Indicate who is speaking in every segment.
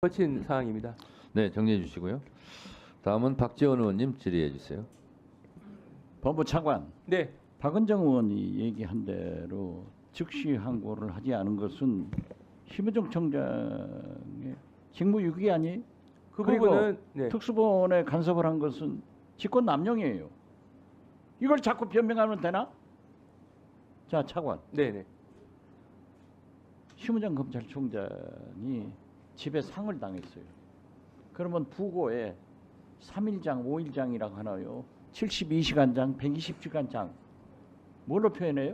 Speaker 1: 거친 사항입니다.
Speaker 2: 네, 정리해 주시고요. 다음은 박지원 의원님 질의해 주세요.
Speaker 3: 법무 차관,
Speaker 1: 네,
Speaker 3: 박은정 의원이 얘기한 대로 즉시 항고를 하지 않은 것은 심우정 청장의 직무유기 아니에요?
Speaker 1: 그
Speaker 3: 그리고
Speaker 1: 부분은 네,
Speaker 3: 특수본에 간섭을 한 것은 직권남용이에요. 이걸 자꾸 변명하면 되나? 자, 차관.
Speaker 1: 네, 네.
Speaker 3: 심우정 검찰총장이 집에 상을 당했어요. 그러면 부고에 3일장, 5일장이라고 하나요? 72시간장, 120시간장. 뭘로 표현해요?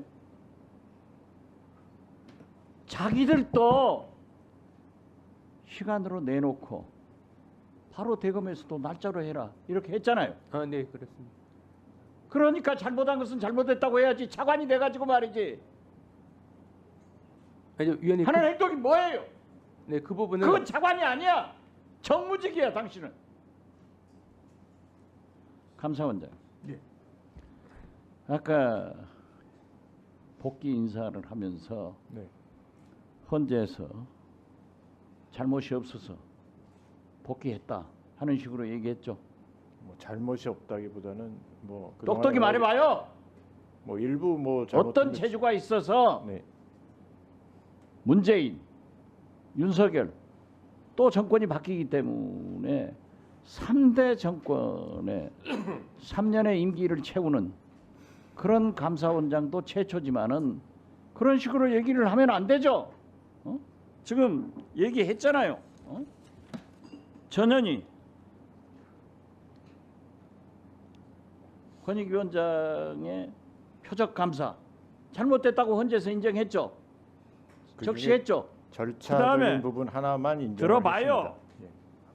Speaker 3: 자기들도 시간으로 내놓고 바로 대검에서도 날짜로 해라 이렇게 했잖아요.
Speaker 1: 아, 네, 그렇습니다.
Speaker 3: 그러니까 잘못한 것은 잘못했다고 해야지 차관이 돼가지고 말이지.
Speaker 1: 아니, 위원님,
Speaker 3: 하는 행동이 뭐예요?
Speaker 1: 네, 그 부분은
Speaker 3: 그건 차관이 아니야. 정무직이야 당신은. 감사원장.
Speaker 1: 네.
Speaker 3: 아까 복귀 인사를 하면서 헌재에서 잘못이 없어서 복귀했다 하는 식으로 얘기했죠.
Speaker 4: 뭐 잘못이 없다기보다는 뭐
Speaker 3: 똑똑히 말해봐요.
Speaker 4: 뭐 일부 뭐
Speaker 3: 어떤 재주가 있어서
Speaker 4: 네.
Speaker 3: 문재인, 윤석열 또 정권이 바뀌기 때문에 3대 정권의 3년의 임기를 채우는 그런 감사원장도 최초지만은 그런 식으로 얘기를 하면 안 되죠. 지금 얘기했잖아요. 전현희 권익위원장의 표적 감사 잘못됐다고 헌재에서 인정했죠. 적시했죠.
Speaker 4: 절차적인
Speaker 3: 그다음에
Speaker 4: 부분 하나만 인정하겠습니다.
Speaker 3: 들어봐요.
Speaker 4: 예.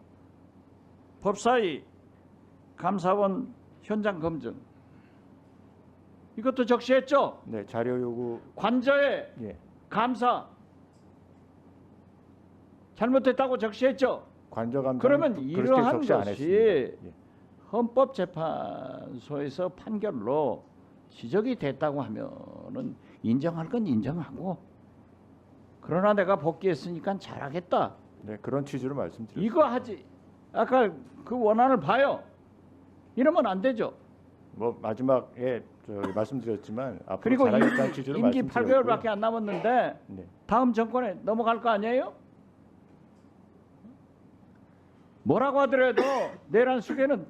Speaker 3: 법사위 감사원 현장 검증 이것도 적시했죠.
Speaker 4: 네, 자료 요구.
Speaker 3: 관저의
Speaker 4: 예.
Speaker 3: 감사 잘못됐다고 적시했죠.
Speaker 4: 관저 감사.
Speaker 3: 그러면 이러한
Speaker 4: 적시 안
Speaker 3: 것이
Speaker 4: 했습니다. 예.
Speaker 3: 헌법재판소에서 판결로 지적이 됐다고 하면은 인정할 건 인정하고 그러나 내가 복귀했으니까 잘하겠다.
Speaker 4: 네, 그런 취지로 말씀드렸습니다.
Speaker 3: 이거 하지. 아까 그 원안을 봐요. 이러면 안 되죠.
Speaker 4: 뭐 마지막에 말씀드렸지만 앞으로
Speaker 3: 그리고
Speaker 4: 잘하겠다는 취지로
Speaker 3: 임기
Speaker 4: 말씀드렸고요.
Speaker 3: 8개월밖에 안 남았는데
Speaker 4: 네.
Speaker 3: 다음 정권에 넘어갈 거 아니에요? 뭐라고 하더라도 내란 수계는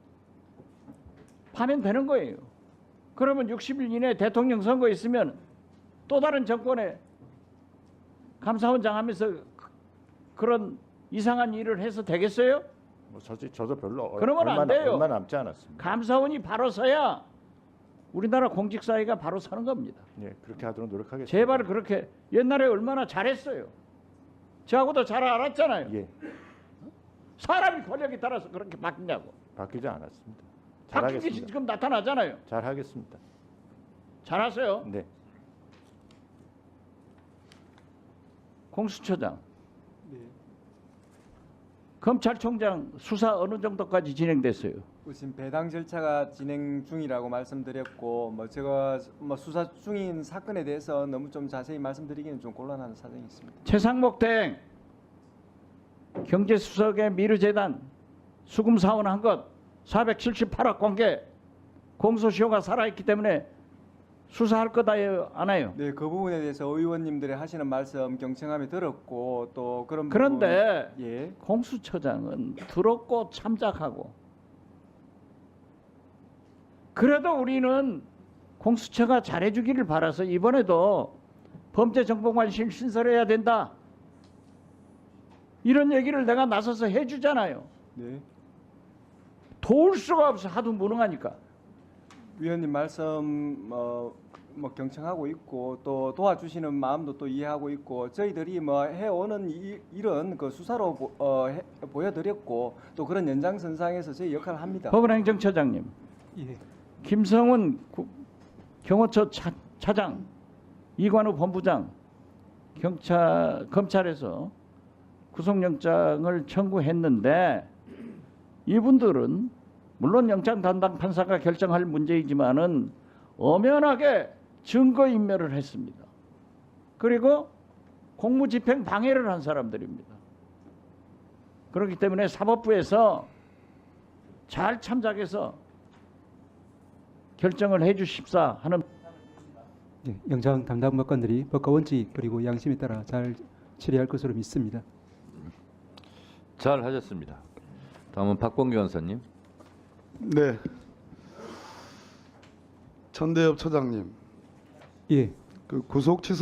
Speaker 3: 파면 되는 거예요. 그러면 60일 이내에 대통령 선거 있으면 또 다른 정권에 감사원장 하면서 그런 이상한 일을 해서 되겠어요?
Speaker 4: 뭐 저도 별로
Speaker 3: 그러면 안 돼요.
Speaker 4: 얼마 남지 않았습니다.
Speaker 3: 감사원이 바로 서야 우리나라 공직사회가 바로 서는 겁니다.
Speaker 4: 네, 그렇게 하도록 노력하겠습니다.
Speaker 3: 제발 그렇게 옛날에 얼마나 잘했어요. 저하고도 잘 알았잖아요.
Speaker 4: 예,
Speaker 3: 사람이 권력에 따라서 그렇게 바뀌냐고.
Speaker 4: 바뀌지 않았습니다.
Speaker 3: 바뀐 게
Speaker 4: 잘하겠습니다.
Speaker 3: 지금 나타나잖아요.
Speaker 4: 잘하겠습니다.
Speaker 3: 잘하세요.
Speaker 4: 네.
Speaker 3: 공수처장. 검찰총장 수사 어느 정도까지 진행됐어요?
Speaker 5: 지금 배당 절차가 진행 중이라고 말씀드렸고 제가 수사 중인 사건에 대해서 너무 좀 자세히 말씀드리기는 좀 곤란한 사정이 있습니다.
Speaker 3: 최상목 대행 경제수석의 미르재단 수금 사원한 것 478억 공개 공소시효가 살아있기 때문에 수사할 거다요 안 해요?
Speaker 5: 네, 그 부분에 대해서 의원님들이 하시는 말씀 경청함에 들었고 또 그런
Speaker 3: 그런데
Speaker 5: 부분, 예.
Speaker 3: 공수처장은 들었고 참작하고 그래도 우리는 공수처가 잘해주기를 바라서 이번에도 범죄정보관실 신설해야 된다 이런 얘기를 내가 나서서 해주잖아요.
Speaker 5: 네.
Speaker 3: 도울 수가 없어. 하도 무능하니까.
Speaker 5: 위원님 말씀 경청하고 있고 또 도와주시는 마음도 또 이해하고 있고 저희들이 해오는 일은 그 수사로 보여드렸고 또 그런 연장선상에서 저희 역할을 합니다.
Speaker 3: 법원행정처장님,
Speaker 5: 예.
Speaker 3: 김성훈 경호처 차장, 이관우 본부장, 검찰에서 구속영장을 청구했는데 이분들은 물론 영장 담당 판사가 결정할 문제이지만은 엄연하게 증거인멸을 했습니다. 그리고 공무집행 방해를 한 사람들입니다. 그렇기 때문에 사법부에서 잘 참작해서 결정을 해 주십사 하는
Speaker 6: 네, 영장 담당 법관들이 법과 원칙 그리고 양심에 따라 잘 처리할 것으로 믿습니다.
Speaker 2: 잘 하셨습니다. 다음은 박범계 원사님.
Speaker 7: 네. 천대엽 처장님,
Speaker 6: 예.
Speaker 7: 그 구속 취소